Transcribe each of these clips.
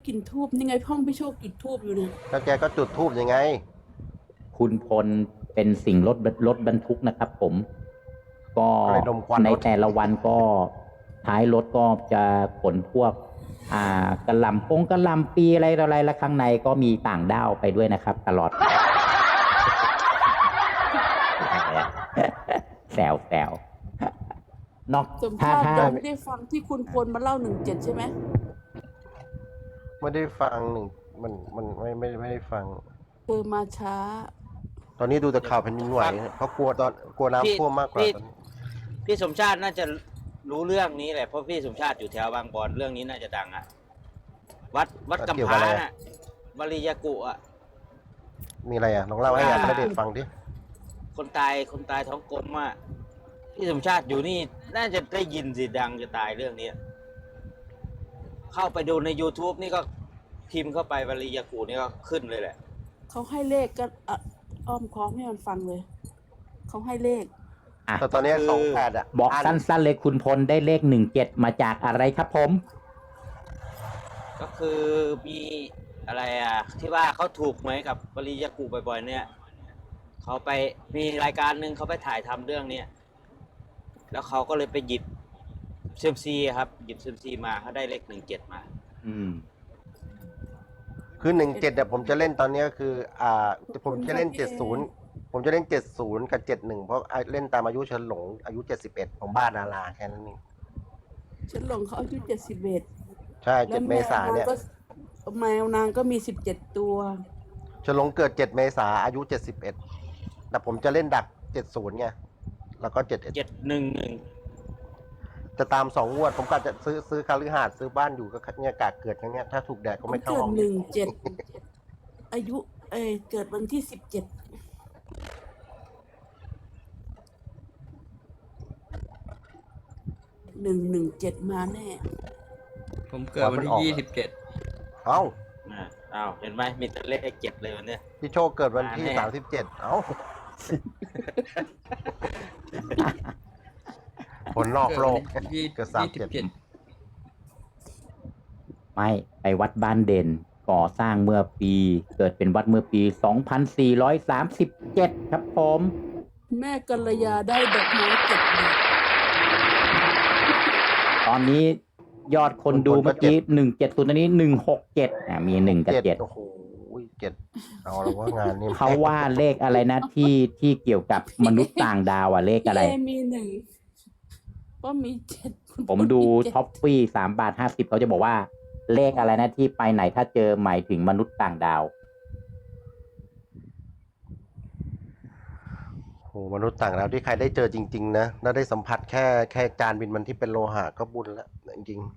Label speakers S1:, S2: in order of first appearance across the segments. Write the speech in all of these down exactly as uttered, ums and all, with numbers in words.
S1: กลิ่นทูบนี่ไงห้องพี่โชคกลิ่นทูบอยู่เนี่ย
S2: แล้วแกก็จุดธูปยังไง
S3: คุณพลเป็นสิ่งรถรถบรรทุกนะครับผม ก็
S2: อะไรดมควัน
S3: ใน
S2: รถ
S3: แต่ละวันก็ท้ายรถก็จะขนพวก อ่ากระหล่ำปงกระหล่ำปีอะไรต่ออะไรและข้างในก็มีต่างด้าวไปด้วยนะครับ ตลอด แซวแซวนอก
S1: สม
S3: ถ้า
S1: ชาติ
S3: ถ้า
S1: ยังไม่ได้ฟังที่คุณพลมาเล่าหนึ่งเจ็ดใช่ไหม
S2: ไม่ได้ฟังหนึ่งมันมันไม่ไม่ไม่ได้ฟัง
S1: เธอมาช้า
S2: ตอนนี้ดูแต่ข่าวแผ่นดินไหวเพราะกลัวตอนกลัว
S4: พี่
S2: น้ำท่วมมากกว่า
S4: พี่
S2: ตอนนี้
S4: พี่สมชาติน่าจะรู้เรื่องนี้แหละเพราะพี่สมชาติอยู่แถวบางบอนเรื่องนี้น่าจะดังอะวัดวัดกำพร้าน่ะวลียากุอะ
S2: มีอะไรอ่ะลองเล่าให้ยายไม่ได้ฟังดิ
S4: คนตายคนตายท้องกลมอะพี่สมชาติอยู่นี่น่าจะได้ยินสิดังจะตายเรื่องนี้เข้าไปดูใน YouTube นี่ก็พิมพ์เข้าไปวลียากุนี่ก็ขึ้นเลยแหละ
S1: เขาให้เลขก็อ่ะอ้อมค้อมให้มันฟังเลย เขาให้เลข
S3: อ่ะ
S2: แต่ตอนนี้สองแปดอ่ะ
S3: บอก
S2: น
S3: สั้นๆเลยคุณพลได้เลขหนึ่งเจ็ดมาจากอะไรครับผม
S4: ก็คือมีอะไรอ่ะที่ว่าเขาถูกไหมกับวลียากุบ่อยๆเนี่ยเขาไปมีรายการหนึ่งเขาไปถ่ายทำเรื่องเนี้ยแล้วเขาก็เลยไปหยิบเซยมซีครับหยิบเซยมซีมาเขาได้เลขหนึ่งเจ็ดมา
S3: อืม
S2: คือหนึ่งเจ็ดเนี่ยผมจะเล่นตอนนี้ก็คือ อ่า ผมจะเล่น
S1: ขอบคุณค่ะ
S2: เจ็ดศูนย์ผมจะเล่นเจ็ดศูนย์กับเจ็ดหนึ่งเพราะเล่นตามอายุเฉินหลงอายุเจ็ดสิบเอ็ดผมบ้าดาราแค่นั้นเอง
S1: ฉันหลงเขาอายุเจ็ดสิบเอ็ด
S2: ใช่เจ็ดเมษาเนี่ย
S1: ก็แมวนางก็มีสิบเจ็ดตัว
S2: เฉินหลงเกิดเจ็ดเมษาอายุเจ็ดสิบเอ็ดแต่ผมจะเล่นดักเจ็ดศูนย์ไงแล้วก็เจ็ดเอ็ด
S4: เจ็ดหนึ่งหนึ่ง
S2: จะตามสองงวด ผมก็จะซื้อซื้อคาลือหาดซื้อบ้านอยู่ก็เนี่ยกาเกิดอย่างเงี้ยถ้าถูกแดดก็ไม่เข้า
S1: เกิ
S2: ห้
S1: ด
S2: อง
S1: หนึ่งเจ็ดอายุเอยเกิดวันที่สิบเจ็ดหนึ่งหนึ่งเจ็ดมาแน่
S5: ผมเกิดวันที่ยี่สิบเจ็ด
S2: เอ้า
S4: อ่าอ้าวเห็นไหมมีแต่เลขเจ็ดเลยวันเนี้ย
S2: พี่โชคเกิดวันที่
S4: มาแน่
S2: สามสิบเจ็ดเอ้าคนนอกโลก
S5: เกิดวันที่
S2: เกิดสามเจ็ด
S5: ยี่สิบเจ็ด
S3: ไม่ไปวัดบ้านเด่นก่อสร้างเมื่อปี เกิดเป็นวัดเมื่อปี สองพันสี่ร้อยสามสิบเจ็ด ครับผม
S1: แม่กัลยาได้ดอกไม้เจ็ดดอก
S3: ตอนนี้ยอดคนดูเมื่อกี้หนึ่งเจ็ดศูนย์อันนี้หนึ่งหกเจ็ดอ่ามีหนึ่งกับเจ็ด
S2: โอ้โหเจ็ดเอาแล้วว่างานนี้
S3: เขาว่าเลขอะไรนะที่ที่เกี่ยวกับมนุษย์ต่างดาวอะเลขอะไร
S1: เอมีหนึ่งก็มีเจ็ดคุณ
S3: ผมดู
S1: เจ็
S3: ท็อปฟี่สามบาทห้าสิบเขาจะบอกว่า เลขอะไรนะที่ไปไหนถ้าเจอหมายถึงมนุษย์ต่างดาว
S2: โอ้โหมนุษย์ต่างดาวที่ใครได้เจอจริง ๆ นะแล้วได้สัมผัสแค่แค่จานบินมันที่เป็นโลหะก็บุญแล้วจริง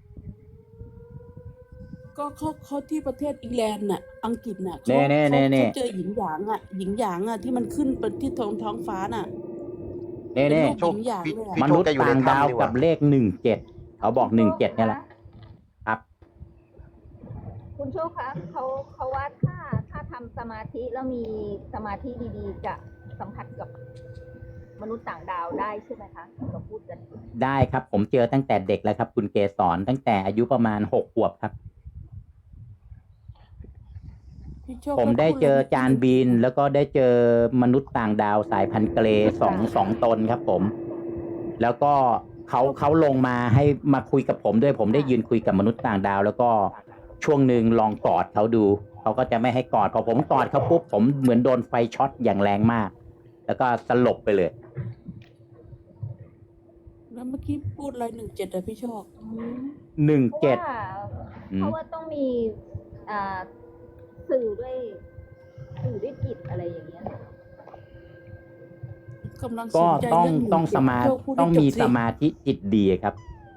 S1: ก็เขาเขาที่ประเทศอิงแลนด์น่ะ อังกฤษน่ะเขา
S3: เน่เน่เน่เน่
S1: เขาเจอหญิงหยางอ่ะ หญิงหยางอ่ะที่มันขึ้นไปที่ท้องท้องฟ้าน่ะ
S3: เน่เน่
S1: เป็นรูปหญิงหยางเลยอะ
S3: มนุษย์ต่างดาวกับเลขหนึ่งเจ็ดเขาบอกหนึ่งเจ็ดเนี่ยแหละครับ
S6: คุณโชคคะเขาเขาว่าถ้าถ้าทำสมาธิแล้วมีสมาธิดีๆ จะสัมผัสกับมนุษย์ต่างดาวได้ใช่ไหมคะเราพูดกัน
S3: ได้ครับ ผมเจอตั้งแต่เด็กแล้วครับ คุณเกสรตั้งแต่อายุประมาณหกขวบครับ
S1: พี่โชค
S3: ผมได้เจอจานบิน
S1: แล้ว
S3: แล้วก็ได้เจอมนุษย์ต่างดาวสายพันธุ์เกรย์สองสองตนครับผม แล้วก็เขาเขาลงมาให้มาคุยกับผมด้วยผมได้ยืนคุยกับมนุษย์ต่างดาว แล้วก็ช่วงหนึ่งลองกอดเขาดูเขาก็จะไม่ให้กอดพอผมกอดเขาปุ๊บผมเหมือนโดนไฟช็อตอย่างแรงมาก แล้วก็สลบไปเลย
S1: แล้วเมื่อกี้พูดอะไรหนึ่งเจ็ดอะพี่โชค
S3: หนึ่ง
S6: เพราะ
S3: เจ็ด
S6: ว่า
S3: อืม
S6: เพราะว่าต้องมีอ่าสื่อด้วยสื่อด้วยจิตอะไรอย่างเงี้ย
S1: กำลังส
S3: ก็
S1: นใจ
S3: ต้อง
S1: เรื่องหนึ่
S3: ต้องสมา
S1: เจ็ดพี่โชคพูดให้
S3: ต้องมี
S1: จบ
S3: สมาธิจิตดีครับ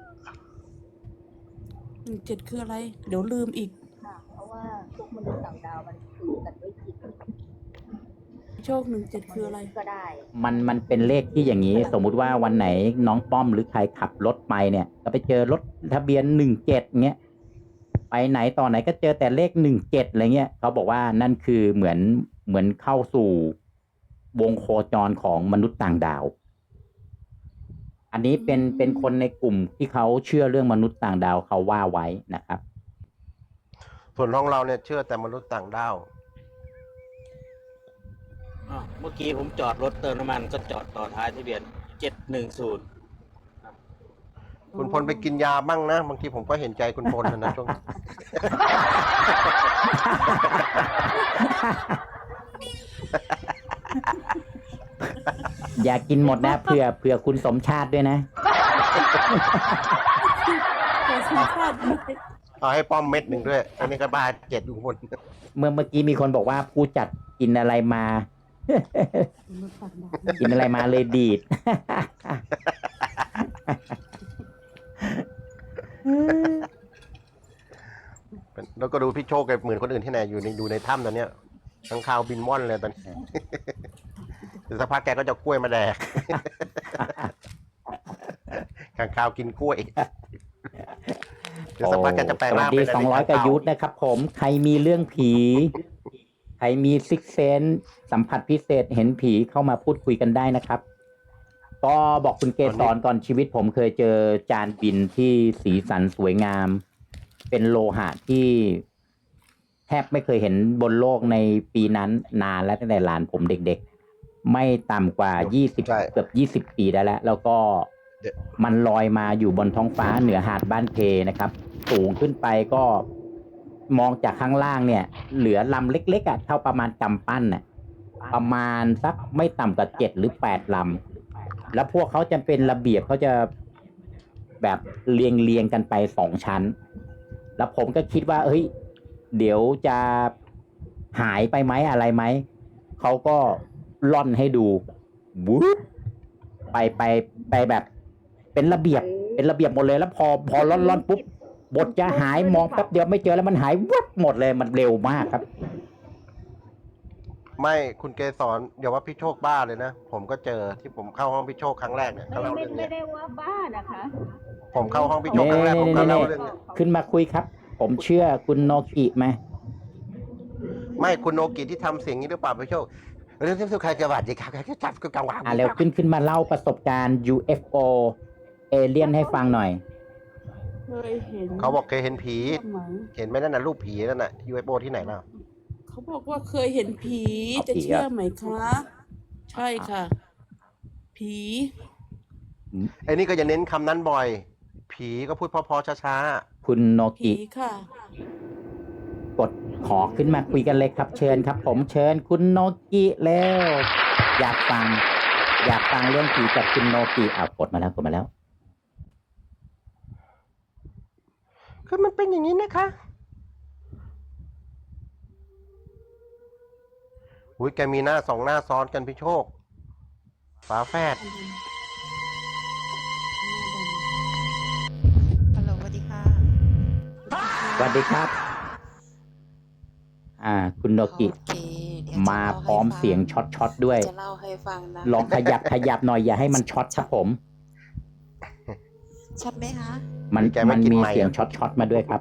S1: หนึ่งเจ็ดคืออะไร เดี๋ยวลืมอีก
S6: ค่ะ เพราะว่าพวกมนุษย์ต่างดาวมันสื่อกันด้วยจิต
S1: พี่โชคหนึ่งเจ็ดคืออะไร
S6: ก็ได้
S3: มันมันเป็นเลขที่อย่างนี้ สมมุติว่าวันไหนน้องป้อมหรือใครขับรถไปเนี่ย ก็ไปเจอรถทะเบียนหนึ่งเจ็ดเงี้ยไปไหนต่อไหนก็เจอแต่เลขหนึ่งเจ็ดอะไรเงี้ยเขาบอกว่านั่นคือเหมือนเหมือนเข้าสู่วงโคจรของมนุษย์ต่างดาว อันนี้เป็น
S1: อืม
S3: เป็นคนในกลุ่มที่เขาเชื่อเรื่องมนุษย์ต่างดาวเขาว่าไว้นะครับ
S2: ส่วนของเราเนี่ยเชื่อแต่มนุษย์ต่างดาว
S4: อ้าวเมื่อกี้ผมจอดรถเติมน้ำมันก็จอดต่อท้ายทะเบียนเจ็ดหนึ่งศูนย์
S2: คุณพลไปกินยาบ้างนะบางทีผมก็เห็นใจคุณพลนะช่วง
S3: อย่ากินหมดนะเผื่อเผื่อคุณสมชาติด้วยนะ
S1: แต่สมชาติไม่
S2: เอาให้ป้อมเม็ดหนึ่งด้วย อันนี้ก็บ้าเจ็ดอยู่บน
S3: เมื่อเมื่อกี้มีคนบอกว่าผู้จัดกินอะไรมา
S1: มนุษย์ต่างดาว
S3: กินอะไรมาเลยดีด
S2: แล้วก็ดูพี่โชคกับเหมือนคนอื่นที่ไหนอยู่ในอยู่ในถ้ำตอนเนี้ยข้างคาวบินม่อนเลยตอนนี้ เดี๋ยวสักพักแกก็จะกล้วยมาแดก ข้างคาวกินกล้วย เดี๋ยวสักพักแกจะแปลง
S3: สวั
S2: ร่า
S3: ส
S2: ง
S3: ดี
S2: เป็น
S3: สองร้อยก
S2: ข้
S3: ว่า
S2: คาว
S3: ยุทธนะครับผม ใครมีเรื่องผี ใครมีซิกเซนสัมผัสพิเศษเห็นผีเข้ามาพูดคุยกันได้นะครับ ก็บอกคุณเกสรก่อนชีวิตผมเคยเจอจานบินที่สีสันสวยงาม เป็นโลหะที่แทบไม่เคยเห็นบนโลกในปีนั้นนานแล้วตั้งแต่หลานผมเด็กๆ ไม่ต่ำกว่ายี่สิบ
S2: ใช่
S3: เกือบยี่สิบปีได้แล้ว แล้วก็
S2: เดี๋ยว
S3: มันลอยมาอยู่บนท้องฟ้าเหนือหาดบ้านเพนะครับ สูงขึ้นไปก็มองจากข้างล่างเนี่ย เหลือลำเล็กๆอ่ะเท่าประมาณกำปั้นน่ะประมาณสักไม่ต่ำกว่าเจ็ดหรือแปดลำแล้วพวกเขาจะเป็นระเบียบเขาจะแบบเรียงเรียงๆกันไปสองชั้น แล้วผมก็คิดว่าเฮ้ยเดี๋ยวจะหายไปไหมอะไรไหมเขาก็ล่อนให้ดูวูบไปไปไปแบบเป็นระเบียบเป็นระเบียบหมดเลยแล้วพอพอล่อนล่อนปุ๊บบทจะหายมองแป๊บเดียวไม่เจอแล้วมันหายวับหมดเลยมันเร็วมากครับ
S2: ไม่คุณเกสรอย่าว่าพี่โชคบ้าเลยนะ ผมก็เจอที่ผมเข้าห้องพี่โชคครั้งแรกเนี่ยเขา
S6: ไม่
S2: เล่า
S6: ไม่
S2: เรื่อง
S6: ไม่
S2: เนี้ย
S6: ได้ว่าบ้านะคะ
S2: ผมเข้าห้องพี่โชคครั้งแรกผมก็เล่าเรื่องเนี้ย
S3: ขึ้นมาคุยครับ ผมเชื่อคุณโนกิไหม
S2: ไม่คุณโนกิที่ทำเสียงนี้หรือเปล่าพี่โชคเรื่องที่สุดใครจะบาดเจ็บครับใครจะจับกังวาน
S3: อ่ะเร็วขึ้นขึ้นมาเล่าประสบการณ์ ยู เอฟ โอ เอเลี่ยนให้ฟังหน่อย
S1: เคยเห็น
S2: เขาบอกเคยเห็นผี
S1: สมัย
S2: เห็นไหมนั่นน่ะรูปผีนั่นน่ะ ยู เอฟ โอ ที่ไหนล่ะ
S1: เขาบอกว่าเคยเห็นผี
S3: เอา
S1: จะ
S3: ผี
S1: เชื่อ
S3: อะ
S1: ไหมคะ ใช่ค่ะ ผี
S2: ไอ้นี่ก็จะเน้นคำนั้นบ่อย ผีก็พูดเพอๆช้า
S3: คุณโน
S1: ผี
S3: กิ
S1: ค่ะ
S3: กดขอขึ้นมาคุยกันเลยครับ เชิญครับ ผมเชิญคุณโนกิแล้วอยากฟัง อยากฟังเรื่องผีจากคุณโนกิอ้าวกดมาแล้วกดมาแล้ว
S2: ๆคือมันเป็นอย่างนี้นะคะอุ้ยแกมีหน้าสองหน้าซ้อนกันพี่โชคฝาแฝด
S7: ฮัลโหลสวัสดีค่ะ
S3: สวัสดีครับ อ่า คุณโนกิ
S7: โอเคเดี๋ยวจะ
S3: มา
S7: เล่ให้
S3: พร้อม
S7: ฟัง
S3: เสียงช็อตช็อตๆด้วย
S7: จะเล่าให้ฟังนะ
S3: ลองขยับขยับหน่อยอย่าให้มันช็อตครับผม
S7: ชัดไหมคะ
S3: มัน
S2: แกไม่
S3: มัน
S2: กิน
S3: มี
S2: ไมค์
S3: เสียง
S2: อะ
S3: ช็อตช็อตๆมาด้วยครับ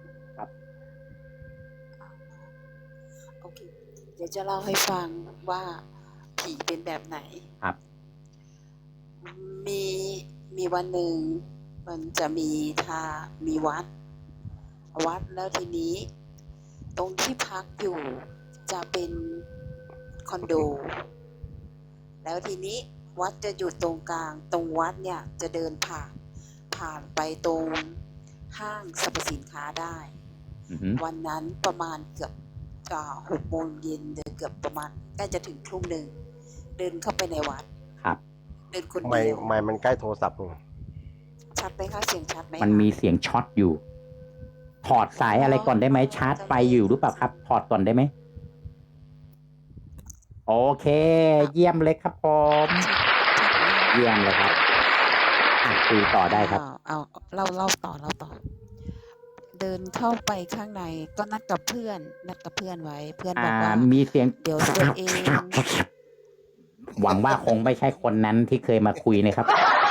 S7: โอเค เดี๋ยวจะเล่าให้ฟังว่าผีเป็นแบบไหน
S3: ครับ
S7: มีมีวันหนึ่งมันจะมีทามีวัด วัดแล้วทีนี้ ตรงที่พักอยู่จะเป็นคอนโด แล้วทีนี้วัดจะอยู่ตรงกลาง ตรงวัดเนี่ยจะเดินผ่านผ่านไปตรงห้างสรรพสินค้าได้
S3: อือหือ
S7: วันนั้นประมาณเกือบอ่าหกโมงเย็นเดินเกือบประมาณใกล้จะถึงทุ่มหนึ่งเดินเข้าไปในวัด
S3: ครับ
S7: เดินคน
S2: ไม่
S7: เดียว
S2: ไม่มันใกล้โทรศัพท์มึง
S7: ชัดไหมคะเสียงชัดไหม
S3: มันมีเสียงช็อตอยู่ ถอดสายอะไรก่อนได้ไหมชาร์จไฟอยู่หรือเปล่าครับ ถอดก่อนได้ไหมโอเค เยี่ยมเลยครับผม
S7: ชัดไหมคะ
S3: เยี่ยมเลยครับอ่ะคุยต่อได้ครับ
S7: เอาเอาเล่าเล่าต่อเล่าต่อ เดินเข้าไปข้างในก็นัดกับเพื่อน นัดกับเพื่อนไว้ เพื่อนบ
S3: อ่า
S7: อกว่า
S3: มีเสียง
S7: เดี๋ยวตัวเอง
S3: หวังว่าคงไม่ใช่คนนั้นที่เคยมาคุยนะครับ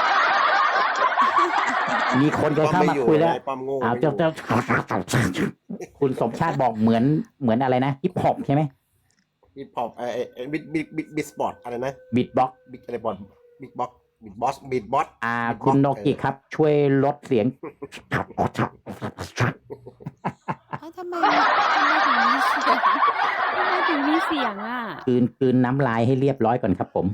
S3: มีคนเคยเข้ามาคุยแล้ว
S2: ป้อมโง่
S3: อ้าวเจ้าเจ้าคุณสมชาติบอกเหมือนเหมือนอะไรนะฮิปฮอปใช่ไหม
S2: บิดพอปไอ้ไอ้บิดบิดบิดบิดสปอร์ตอะไรนะ
S3: บิดบ็อก
S2: บิดอะไรบอลบิดบ็อกบิดบอสบิดบอส
S3: อ่า
S2: Beatbox
S3: คุณโนกิ
S2: เออ
S3: ครับ ช่วยลดเสียง
S7: อ้าวทำไมทำไมถึงมีเสียงทำไมถึงมีเสียงอ่ะ
S3: กลืนกลืนน้ำลายให้เรียบร้อยก่อนครับผม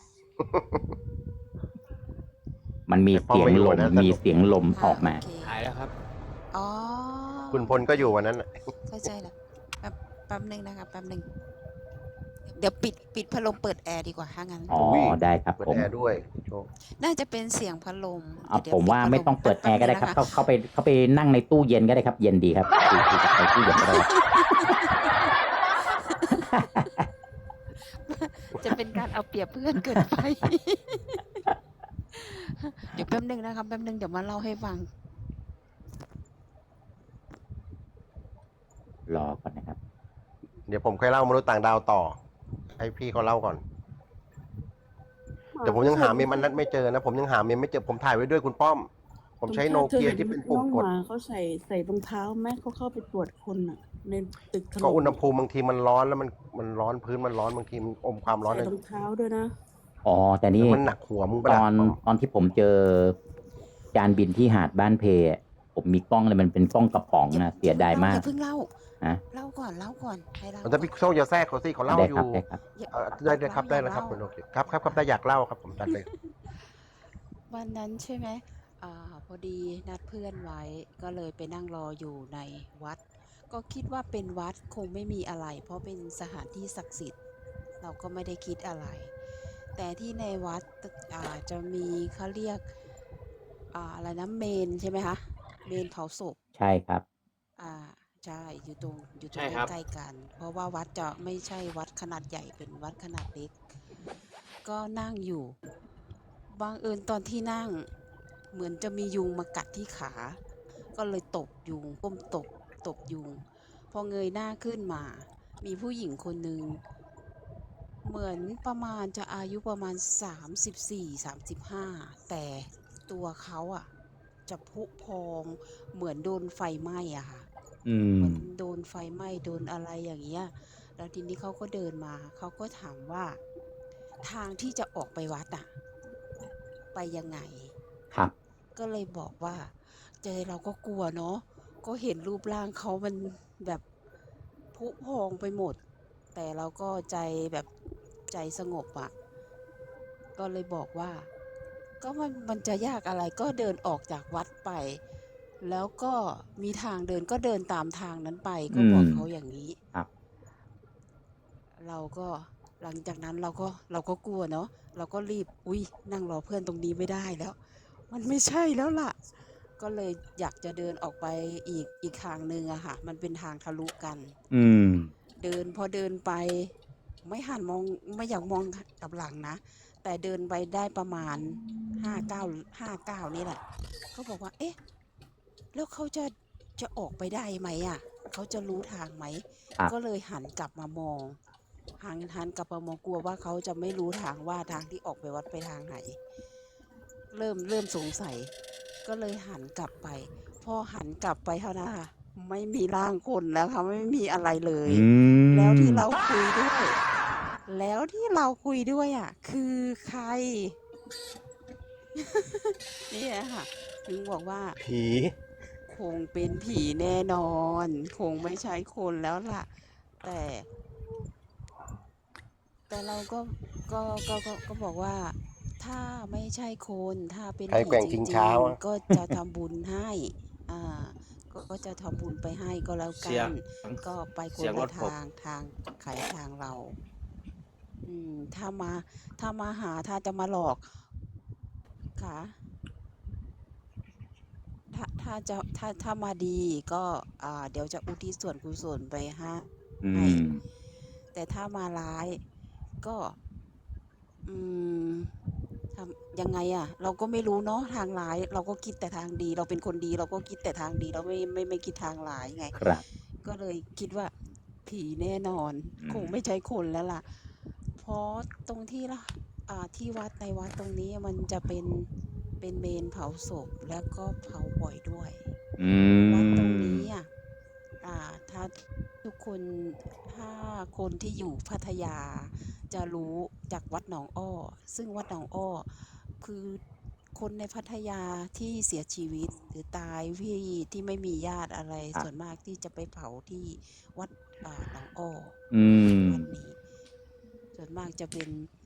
S3: มันมีเสียงลมมีเสียงลมออกมา
S7: โอเค
S4: หายแล้วครับ
S7: อ๋อ
S2: คุณพลก็อยู่วันนั้นน่ะ
S7: เข้าใจแล้วแป๊บแป๊บหนึ่งนะครับแป๊บหนึ่งเดี๋ยวปิดปิดพัดลมเปิดแอร์ดีกว่าถ้างั้น
S3: อ๋อ ได้ครับ
S2: เปิด
S3: ผม
S2: แอร์ด้วยโชค
S7: น่าจะเป็นเสียงพัดลม
S3: เอา
S7: เดี๋ย
S3: ผมว่า
S7: ปิดพัล
S3: ไม่ต้องเปิดแอร์ก็ได้ครับ
S7: แป๊
S3: เข้า
S7: บนึงนะะ
S3: เข้าไปเข้าไปนั่งในตู้เย็นก็ได้ครับ เย็นดีครับคือคือจะไปตู้เย็นก็ได้ครับ
S7: จะเป็นการเอาเปรียบเพื่อนเกินไป เดี๋ยวแป๊บหนึ่งนะครับแป๊บหนึ่งเดี๋ยวมาเล่าให้ฟัง
S3: รอก่อนนะครับ
S2: เดี๋ยวผมค่อยเล่ามนุษย์ต่างดาวต่อ ให้พี่เขาเล่าก่อน แต่ผมยังหาเมมอันนั้นไม่เจอนะ ผมยังหาเมมไม่เจอ ผมถ่ายไว้ด้วยคุณป้อม ผมใช้โนเกียที่เป็นปุ่มกด
S1: น้องหมาเขาใส่ใส่รองเท้าแม่เขาเข้าไปตรวจคนอ่ะ ในตึกถล่ม
S2: ก็อุณหภูมิบางทีมันร้อนแล้วมันมันร้อนพื้นมันร้อนบางทีมันอมความร้อน
S1: ใส่
S2: เลย
S1: รองเท้าด้วยนะ
S3: อ๋อ แต่นี่
S2: มันหนักหัวมึงปะ
S3: ต
S2: ล่ะ
S3: อนตอนที่ผมเจอจานบินที่หาดบ้านเพอะผมมีกล้องเลยมันเป็นกล้องกระป๋องนะเสียดายมาก
S7: อย่าเพิ่งเล่า
S3: ฮะ
S7: เล่าก่อนเล่าก่อนให้เล่า
S2: มันจะพี่โชคอย่าแทรกเขาสิเขาเล่า
S3: ได้
S2: อ
S3: ครับ
S2: ยู่
S3: ได้ครับ
S7: อย่า
S2: เอ่อได้เลยครับได้เลยครับ
S7: เล่า
S2: คุณโอเคครับครับครับได้อยากเล่าครับผมจัดเลย
S7: วันนั้นใช่ไหมอ่าพอดีนัดเพื่อนไว้ก็เลยไปนั่งรออยู่ในวัด ก็คิดว่าเป็นวัดคงไม่มีอะไร เพราะเป็นสถานที่ศักดิ์สิทธิ์ เราก็ไม่ได้คิดอะไร แต่ที่ในวัดอ่าจะมีเขาเรียกอ่าอะไรนะเมนใช่ไหมคะเมนเผาศพ
S3: ใช่ครับ
S7: อ่าใช่อยู่ตรงอยู่ตร
S4: ใช่
S7: ง
S4: ครับ
S7: ใกล้ๆกัน เพราะว่าวัดจะไม่ใช่วัดขนาดใหญ่เป็นวัดขนาดเล็ก ก็นั่งอยู่บังเอิญตอนที่นั่งเหมือนจะมียุงมากัดที่ขา ก็เลยตบยุงก้มตบตบยุง พอเงยหน้าขึ้นมา มีผู้หญิงคนหนึ่งเหมือนประมาณจะอายุประมาณสามสิบสี่ สามสิบห้าแต่ตัวเขาอ่ะ จะพุพองเหมือนโดนไฟไหม้อะค่ะ
S3: อื
S7: เห
S3: ม
S7: มือนโดนไฟไหม้โดนอะไรอย่างเงี้ย แล้วทีนี้เขาก็เดินมา เขาก็ถามว่า ทางที่จะออกไปวัดอะไปยังไง
S3: ครับ
S7: ก็เลยบอกว่า เจอเราก็กลัวเนาะ ก็เห็นรูปร่างเขามันแบบผุพองไปหมด แต่เราก็ใจแบบใจสงบอะก็เลยบอกว่า ก็มันมันจะยากอะไรก็เดินออกจากวัดไป แล้วก็มีทางเดินก็เดินตามทางนั้นไป ก็บอก
S3: อืม
S7: เขาอย่างนี้
S3: ครับ
S7: เราก็หลังจากนั้นเราก็เราก็กลัวเนาะเราก็รีบอุ้ยนั่งรอเพื่อนตรงนี้ไม่ได้แล้ว มันไม่ใช่แล้วล่ะ ก็เลยอยากจะเดินออกไปอีกอีกทางหนึ่งอะค่ะ มันเป็นทางทะลุกัน
S3: อืม
S7: เดินพอเดินไป ไม่หันมองไม่อยากมองกลับหลังนะ แต่เดินไปได้ประมาณห้าเก้าห้าเก้านี่แหละเขาบอกว่า เอ๊ะ แล้วเขาจะจะออกไปได้ไหมอ่ะเขาจะรู้ทางไหม
S3: ครับ
S7: ก็เลยหันกลับมามองหันหันกลับมามองกลัวว่าเขาจะไม่รู้ทางว่าทางที่ออกไปวัดไปทางไหน เริ่มเริ่มสงสัย ก็เลยหันกลับไป พอหันกลับไปเท่านั้นค่ะไม่มีร่างคนแล้วค่ะไม่มีอะไรเลย
S3: อืม
S7: แล้วที่เราคุยด้วย แล้วที่เราคุยด้วยอ่ะ คือใคร นี่แหละค่ะ ถึงบอกว่า
S2: ผี
S7: คงเป็นผีแน่นอน คงไม่ใช่คนแล้วล่ะ แต่ แต่เราก็ก็ก็ก็ก็บอกว่า ถ้าไม่ใช่คน ถ้าเป็น
S2: ใคร
S7: ผี
S2: แกว่ง
S7: จ
S2: ชิง
S7: ริ
S2: ช้าง วะ
S7: ๆ ก็จะทำบุญให้ อ่า ก็ก็จะทำบุญไปให้ก็แล้ว
S4: เสี
S7: กั
S4: ยง
S7: น ก็ไปค
S4: เสี
S7: น
S4: ยงร
S7: ละ
S4: ถผม
S7: ทางทางใครทางเรา อืม ถ้ามาถ้ามาหาถ้าจะมาหลอกค่ะ ถ้าถ้าจะถ้าถ้ามาดีก็อ่าเดี๋ยวจะอุทิศส่วนกุศลไปให้
S3: อื
S7: ให้
S3: ม
S7: แต่ถ้ามาร้ายก็ อืมทำยังไงอะ เราก็ไม่รู้เนาะทางร้าย เราก็คิดแต่ทางดี เราเป็นคนดี เราก็คิดแต่ทางดี เราไม่ไม่ไม่คิดทางร้ายไง
S3: ครับ
S7: ก็เลยคิดว่า ผีแน่นอน
S3: อืม
S7: คงไม่ใช่คนแล้วล่ะ เพราะตรงที่ละอ่าที่วัดในวัดตรงนี้มันจะเป็นเป็นเมนเผาศพแล้วก็เผาบ่อยด้วย
S3: อื
S7: วัดตรง
S3: ม
S7: นี้อ่ะ อ่า ถ้าทุกคนถ้าคนที่อยู่พัทยา จะรู้จากวัดหนองอ้อ ซึ่งวัดหนองอ้อ คือคนในพัทยาที่เสียชีวิตหรือตายที่ที่ไม่มีญาติอะไร
S3: ครับ
S7: ส่วนมากที่จะไปเผาที่วัดอ่าหนองอ้อ
S3: อืม
S7: วัดนี้ ส่วนมากจะเป็น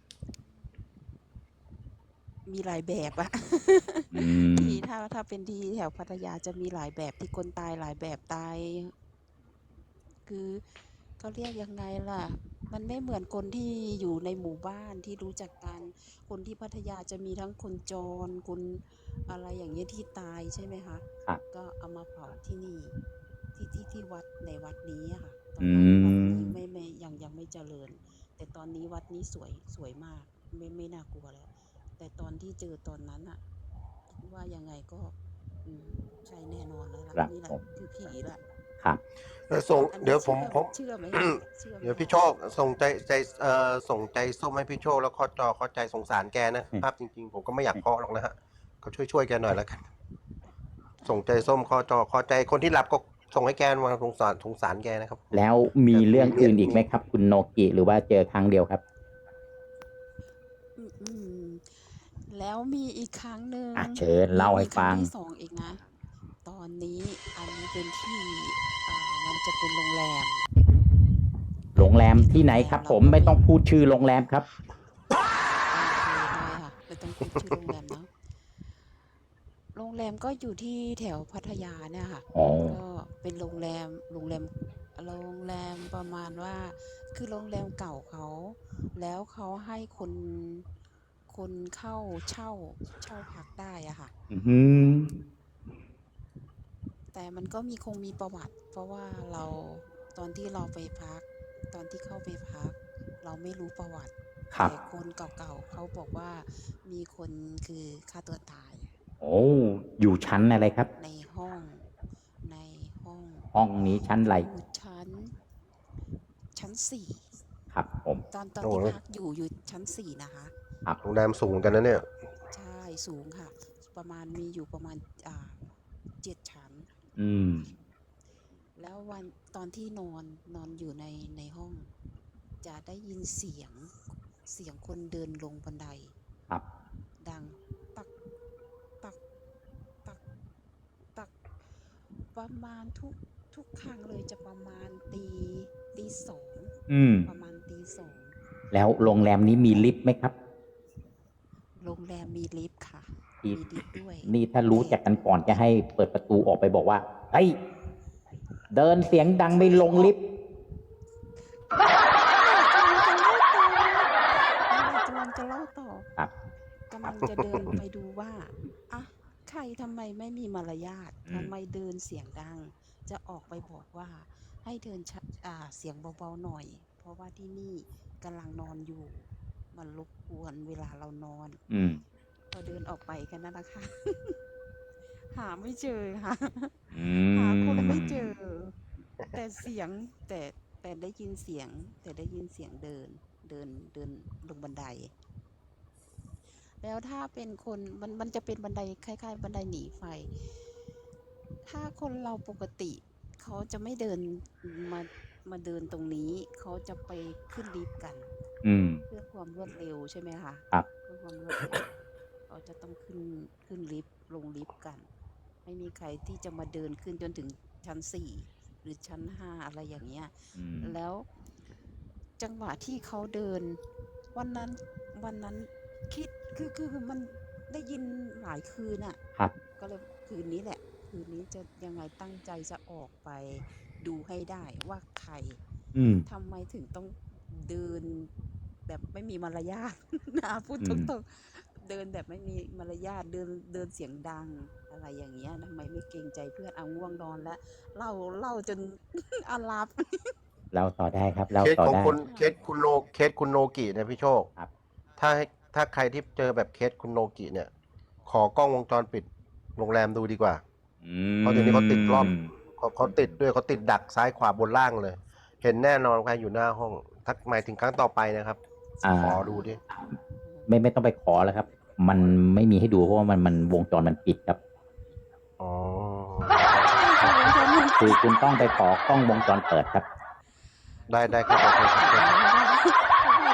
S7: มีหลายแบบอะ
S3: อืม
S7: ที่ถ้าถ้าเป็นที่แถวพัทยาจะมีหลายแบบที่คนตายหลายแบบตาย คือเขาเรียกยังไงล่ะ มันไม่เหมือนคนที่อยู่ในหมู่บ้านที่รู้จักกัน คนที่พัทยาจะมีทั้งคนจรคนอะไรอย่างเงี้ยที่ตายใช่ไหมคะ
S3: ครับ
S7: ก็เอามาเผาที่นี่ ที่ที่ที่วัดในวัดนี้อะค่ะ ตอน
S3: อื
S7: นั้นวัด
S3: ม
S7: นี้ไม่ไม่ยังยังไม่เจริญ แต่ตอนนี้วัดนี้สวยสวยมาก ไม่ไม่น่ากลัวแล้ว แต่ตอนที่เจอตอนนั้นอะว่ายังไงก็ อืมใช่แน่นอนแล้วล่ะ
S3: ครับ
S7: นี่แหละ
S3: ผม
S7: คือผีละ
S3: ครับ
S2: เออส่ง
S7: อัน
S2: เดี๋
S7: นี้
S2: ยวผ
S7: เชื่
S2: ม
S7: อ
S2: ผม
S7: เชื่อไหมอะเชื่อไหม
S2: เดี๋ยวพี่
S7: อะ
S2: โชคส่งใจใจเอ่อส่งใจส้มให้พี่โชคแล้วข้อจอข้อใจสงสารแกนะครับ จริงๆ ผมก็ไม่อยากเคาะหรอกนะฮะก็ช่วยช่วยๆแกหน่อยแล้วกัน ส่งใจส้มข้อจอข้อใจคนที่หลับก็ส่งให้แกมาสงสารสงสารแกนะครับ
S3: แล้วมี
S2: แต่
S3: เรื่อง
S2: มี
S3: อื่นอีก
S2: มี
S3: ไหมครับ คุณโนกิหรือว่าเจอครั้งเดียวครับ
S7: อืม อืม แล้วมีอีกครั้งหนึ่ง
S3: อ่ะเชิญ
S7: มี
S3: เล่า
S7: มี
S3: ให้
S7: ครั้
S3: ฟั
S7: ง
S3: ง
S7: ที่สองอีกนะ ตอนนี้อันนี้เป็นที่ อ่า มันจะเป็นโรงแรม
S3: โรงแรม
S7: เป็น
S3: ที่
S7: โร
S3: ไหน
S7: งแร
S3: ครั
S7: ม
S3: บ
S7: เรา
S3: ผม
S7: ก็
S3: ไม่
S7: ไม่
S3: ต้องพูดชื่อโรงแรมครับ
S7: โอเคได้ค่ะ ไม่ต้องพูดชื่อโรงแรมเนาะ โรงแรมก็อยู่ที่แถวพัทยาเนี่ยค่ะ
S3: อ๋อ
S7: ก็เป็นโรงแรม โรงแรม โรงแรมประมาณว่า คือโรงแรมเก่าเขา แล้วเขาให้คน คนเข้าเช่า เช่าพักได้อะค่ะ
S3: อือฮึ
S7: แต่มันก็มี คงมีประวัติ เพราะว่าเรา ตอนที่เราไปพัก ตอนที่เข้าไปพัก เราไม่รู้ประวัติ
S3: ครั
S7: แต่
S3: บ
S7: คนเก่าๆเขาบอกว่า มีคนคือฆ่าตัวตาย
S3: โอ้ อยู่ชั้นอะไรครับ
S7: ในห้อง ในห้อง
S3: ห้องนี้ชั้น
S7: อ
S3: ไร?
S7: ยู่ชั้น ชั้น สี่
S3: ครับผม
S7: ตอน ตอน
S2: โอ้
S7: ที่
S2: โฮ
S7: พักอยู่ อยู่ชั้น สี่ นะคะ
S3: ครับ
S2: โรงแรมสูงเหมือนกันนะเนี่ย
S7: ใช่ สูงค่ะ ประมาณ มีอยู่ประมาณ อ่า เจ็ด ชั้น
S3: อืม
S7: แล้ววัน ตอนที่นอน นอนอยู่ใน ในห้อง จะได้ยินเสียง เสียงคนเดินลงบันได
S3: ครับ
S7: ดัง ตัก ตัก ตัก ตัก ประมาณทุก ทุกครั้งเลยจะประมาณตี ตี สอง
S3: อืม
S7: ประมาณตี สอง
S3: แล้วโรงแรมนี้มีลิฟต์ไหมครับ?
S7: โรงแรมมีลิฟต์ค่ะ
S3: อี
S7: มีลิฟต์ด้วย
S3: นี่ถ้ารู้
S7: แต่
S3: จักกันก่อนจะให้เปิดประตูออกไปบอกว่า เฮ้ย เดินเสียงดังไม่ลงลิฟต์
S7: กำลังจะเล่าต่อ
S3: ครับ
S7: กำลังจะเดินไปดูว่า อะ ใครทำไมไม่มีมารยาท
S3: อื
S7: ทำ
S3: ม
S7: ไมเดินเสียงดัง จะออกไปบอกว่า ให้เดิน ช อ่า เสียงเบาๆหน่อย เพราะว่าที่นี่กำลังนอนอยู่ มันรบกวนเวลาเรานอน
S3: อืม
S7: พอเดินออกไปแค่นั้นแหละค่ะ หาไม่เจอค่ะ
S3: อื
S7: หาคนไม่
S3: ม
S7: เจอ แต่เสียง แต่ แต่ได้ยินเสียง แต่ได้ยินเสียงเดิน เดิน เดินลงบันได แล้วถ้าเป็นคน มัน มันจะเป็นบันไดคล้าย ๆ บันไดหนีไฟ ถ้าคนเราปกติเขาจะไม่เดิน มา มาเดินตรงนี้ เขาจะไปขึ้นลิฟต์กัน
S3: อืม
S7: เพื่อความรวดเร็วใช่ไหมคะ?
S3: ครับ
S7: เพื่อความรวดเร็ว เขาจะต้องขึ้น ขึ้นลิฟต์ ลงลิฟต์กัน ไม่มีใครที่จะมาเดินขึ้นจนถึงชั้น สี่ หรือชั้น ห้า อะไรอย่างเงี้ย
S3: อืม
S7: แล้วจังหวะที่เขาเดิน วันนั้น วันนั้นคิด คือ คือมันได้ยินหลายคืนอะ
S3: ครับ
S7: ก็เลยคืนนี้แหละ คืนนี้จะยังไงตั้งใจจะออกไปดูให้ได้ว่าใคร
S3: อืม
S7: ทำไมถึงต้องเดินแบบไม่มีมารยาท อา พูด
S3: อื
S7: ต
S3: ม
S7: รง ๆ เดินแบบไม่มีมารยาท เดิน เดินเสียงดัง อะไรอย่างเงี้ย ทำไมไม่เกรงใจเพื่อน อ้าว ง่วงนอนแล้ว เล่า เล่าจน อาหลับ
S3: เล่าต่อได้ครับ เล่า
S2: เคส
S3: ต่อ
S2: ของ
S3: ได้
S2: คุณ
S7: ค่
S2: เคสคุณโน เคสคุณโนกิเนี่ยพี่โชค
S3: ครับ
S2: ถ้าให้ ถ้าใครที่เจอแบบเคสคุณโนกิเนี่ย ขอกล้องวงจรปิดโรงแรมดูดีกว่า
S3: อื
S2: เพราะเดี๋ยวนี้เขาติดรอบ
S3: ม
S2: เขา เขาติดด้วย เขาติดดักซ้ายขวาบนล่างเลย เห็นแน่นอนใครอยู่หน้าห้อง ถ้าหมายถึงครั้งต่อไปนะครับ
S3: อ่า
S2: ขอดูดิ
S3: ไม่ ไม่ต้องไปขอแล้วครับ มันไม่มีให้ดู เพราะว่ามัน มันวงจรมันปิดครับ
S2: อ๋อ
S7: ใช่ค่ะ วงจรมัน
S3: คื
S7: ปิ
S3: อ
S7: ด
S3: คุณต้องไปขอกล้องวงจรเปิดครับ
S2: ได้ ได้ครับ โอเคครับ
S7: เพราะว่า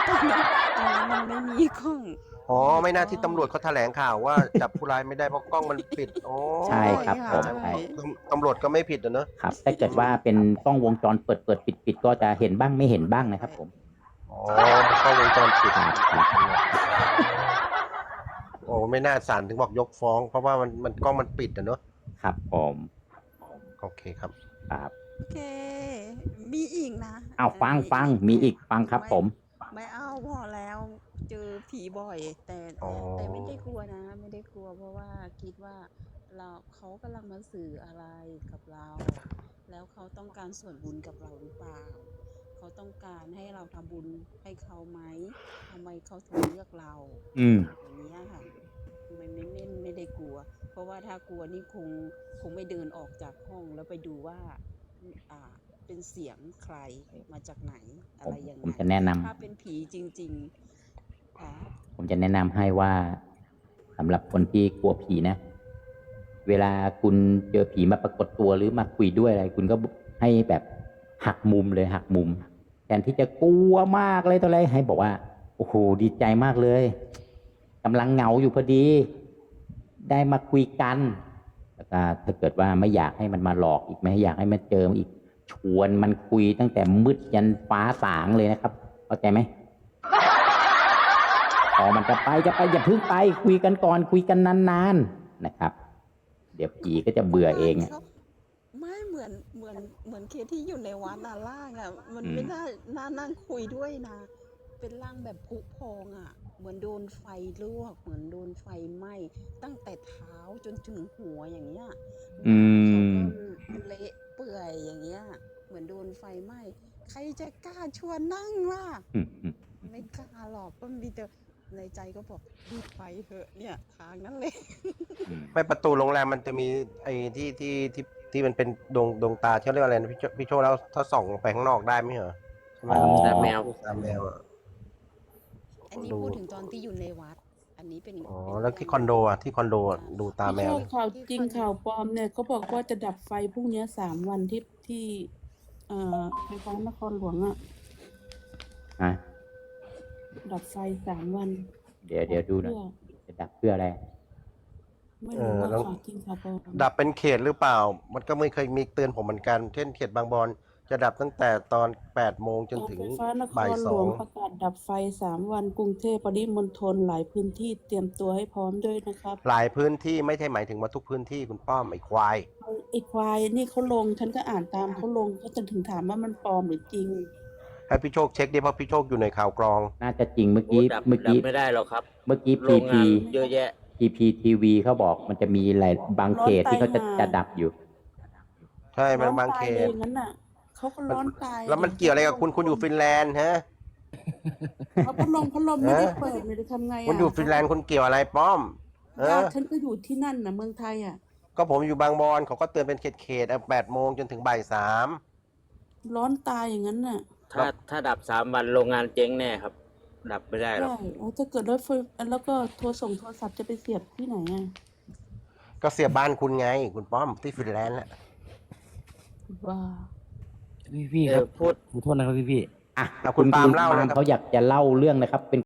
S8: ตอนนั้นตอนนั้นมันไม่มีกล้อง
S2: อ๋อไม่น่าที่ตำรวจเขาแถลงข่าวว่า จับผู้ร้ายไม่ได้เพราะกล้องมันปิดอ๋อ
S3: ใช่ครับผม
S8: ใช่
S3: ใช่
S2: ตำรวจก็ไม่ผิดอะเนอะ
S3: ครับถ้าเกิดว่าเป็นกล้องวงจรเปิดเปิดปิดปิดก็จะเห็นบ้างไม่เห็นบ้างนะครับผม
S2: อ๋อกล้องวงจรปิด
S3: ครับครับ
S2: โอ้ไม่น่าศาลถึงบอกยกฟ้อง เพราะว่ามันมันกล้องมันปิดอะเนอะ
S3: ครับผม
S2: โอเคครับ
S3: ครับ
S8: โอเค มีอีกนะ
S3: เอาฟังฟังมีอีกฟังครับผม
S8: ไม่เอาพอแล้วเจอผีบ่อย แต่
S2: อ๋อ
S8: แต่ไม่ได้กลัวนะ ไม่ได้กลัวเพราะว่าคิดว่าเราเขากำลังมาสื่ออะไรกับเรา แล้วเขาต้องการส่วนบุญกับเราหรือเปล่า เขาต้องการให้เราทำบุญให้เขาไหมทำไมเขาถึงเลือกเรา
S3: อืม
S8: อย่างเงี้ยค่ะไม่ไม่ไม่ไม่ได้กลัว เพราะว่าถ้ากลัวนี่คงคงไม่เดินออกจากห้องแล้วไปดูว่าอ่าเป็นเสียงใครมาจากไหนอะ
S3: ผม
S8: ไรยังไง
S3: ผมจะแนะนำ
S8: ถ้าเป็นผีจริงๆค่ะ
S3: ผมจะแนะนำให้ว่าสำหรับคนที่กลัวผีนะ เวลาคุณเจอผีมาปรากฏตัวหรือมาคุยด้วยอะไร คุณก็ให้แบบหักมุมเลยหักมุมแทนที่จะกลัวมากเลยตัวอะไรให้บอกว่าโอ้โหดีใจมากเลยกำลังเหงาอยู่พอดี ได้มาคุยกันแล้วก็ถ้าเกิดว่าไม่อยากให้มันมาหลอกอีกไม่อยากให้มันเจออีกชวนมันคุยตั้งแต่มืดยันฟ้าสางเลยนะครับเข้าใจไหม พอมันจะไปจะไปอย่าเพิ่งไปคุยกันก่อนคุยกันนานๆนะครับ เดี๋ยวผีก็จะเบื่อเองอะ
S8: ไม่เหมือนเหมือนเหมือนเคสที่อยู่ในวัดน่ะร่างอ่ะมัน
S3: อืม
S8: ไม่ได้น่านั่งคุยด้วยนะ เป็นร่างแบบผุพองอ่ะ เหมือนโดนไฟลวก เหมือนโดนไฟไหม้ตั้งแต่เท้าจนถึงหัวอย่างเงี้ย
S3: อื
S8: เขา
S3: ม
S8: ก็เละเปื่อยอย่างเงี้ย เหมือนโดนไฟไหม้ใครจะกล้าชวนนั่งล่ะ
S3: อืมอืม
S8: ไม่กล้าหรอกก็มีแต่ในใจก็บอกรีบไปเถอะเนี่ยทางนั้นเลย
S3: อืม
S2: ไม่ประตูโรงแรมมันจะมีไอ้ที่ที่ที่ที่มันเป็นดวงดวงตาที่เขาเรียกว่าอะไรนะพี่โชพี่โชแล้วถ้าส่องออกไปข้างนอกได้ไหมเหรอใช่ไหม
S3: อ๋อ
S4: แต่แมว
S2: ตามแมวอะ
S8: อันนี้
S2: ดู
S8: พูดถึงตอนที่อยู่ในวัด อันนี้เป็น
S2: อ๋อ
S8: เป็น
S2: แล้วที่คอนโดอ่ะที่คอนโดอะดูตาแม
S1: พี่
S2: ว
S1: โช
S2: เล
S1: ค
S2: ย
S1: ข่าวจริงข่าวปลอมเนี่ยเขาบอกว่าจะดับไฟพรุ่งนี้สามวันที่ที่เอ่อไฟฟ้านครหลวงอ่ะ
S3: ฮะ
S1: ดับไฟสามวัน
S3: เดี๋ยวเดี๋ยวดูหนะ
S1: เพื่อ
S3: จะดับเพื่ออะไร
S1: ไม่รู้ว่า
S2: เออแล้ว
S1: ข่าวจริงข่าวปลอม
S2: ดับเป็นเขตหรือเปล่า มันก็ไม่เคยมีเตือนผมเหมือนกัน เช่นเขตบางบอนจะดับตั้งแต่ตอนแปดโมงจนถึง
S1: ไฟฟ้านค
S2: บ่าย
S1: ร
S2: ส
S1: หล
S2: อ
S1: ว
S2: ง
S1: งประกาศดับไฟสามวันกรุงเทพปริมณฑลหลายพื้นที่เตรียมตัวให้พร้อมด้วยนะครับ
S2: หลายพื้นที่ไม่ใช่หมายถึงว่าทุกพื้นที่คุณป้อมไอ้ควาย
S1: ไอ้ควายนี่เขาลงฉันก็อ่านตามเขาลงเขาจนถึงถามว่ามันปลอมหรือจริง
S2: ให้พี่โชคเช็คดิเพราะพี่โชคอยู่ในข่าวกรอง
S3: น่าจะจริงเมื่อ
S4: โอ้
S3: กี้
S4: ดับ
S3: เมื่อ
S4: ดับ
S3: กี้
S4: ไม่ได้หรอกครับ
S3: เมื่อกี้
S4: โร
S3: พี
S4: ง
S3: พี
S4: งานเยอะแยะ
S3: พีพีทีวีเขาบอกมันจะมีหลายบางเขตที่เขาจะ
S1: ร้อนตายห่า
S3: จะดับอยู่
S2: ใช่มันบาง
S1: ร้อน
S2: เข
S1: ตายเลย
S2: ต
S1: งั้นน่ะเขาก็ร้อนตาย
S2: แล้วมันเกี่ยวอะไรกับคุณคุณอยู่ฟินแลนด์ฮะ
S1: เขาพัดลมพัดลมไม่ได้เปิดเลยจะทำไงอ่ะ
S2: คุณอยู่ฟินแลนด์คุณเกี่ยวอะไรป้อม เอ
S1: ญา
S2: อ
S1: ติฉันก็อยู่ที่นั่นน่ะเมืองไทยอ่ะ
S2: ก็ผมอยู่บางบอนเขาก็เตือนเป็นเขตเขตแปดโมงจนถึงบ่ายสาม
S1: ร้อนตายอย่างนั้นน่ะ
S4: ถ้าถ้าดับสามวันโรงงานเจ๊งแน่ครับ ดับไม่ได้หรอก
S1: ใช่แล้วถ้าเกิดรถไฟแล้วก็โทรส่งโทรศัพท์จะไปเสียบที่ไหนอ่ะ
S2: ก็เสียบ้านคุณไง คุณป้อมที่ฟินแลนด์แหละ
S1: ว่า
S9: พี่พี่
S4: เอ
S9: ครั
S4: อบ พูด
S9: ขอโทษนะครับพี่พี่
S3: อ่ะ
S2: เอาคุณปาล์มเล่า
S3: ปาล์
S2: เลย
S3: ม
S2: ครับ
S3: เขาอยากจะเล่าเรื่องนะครับ เป็น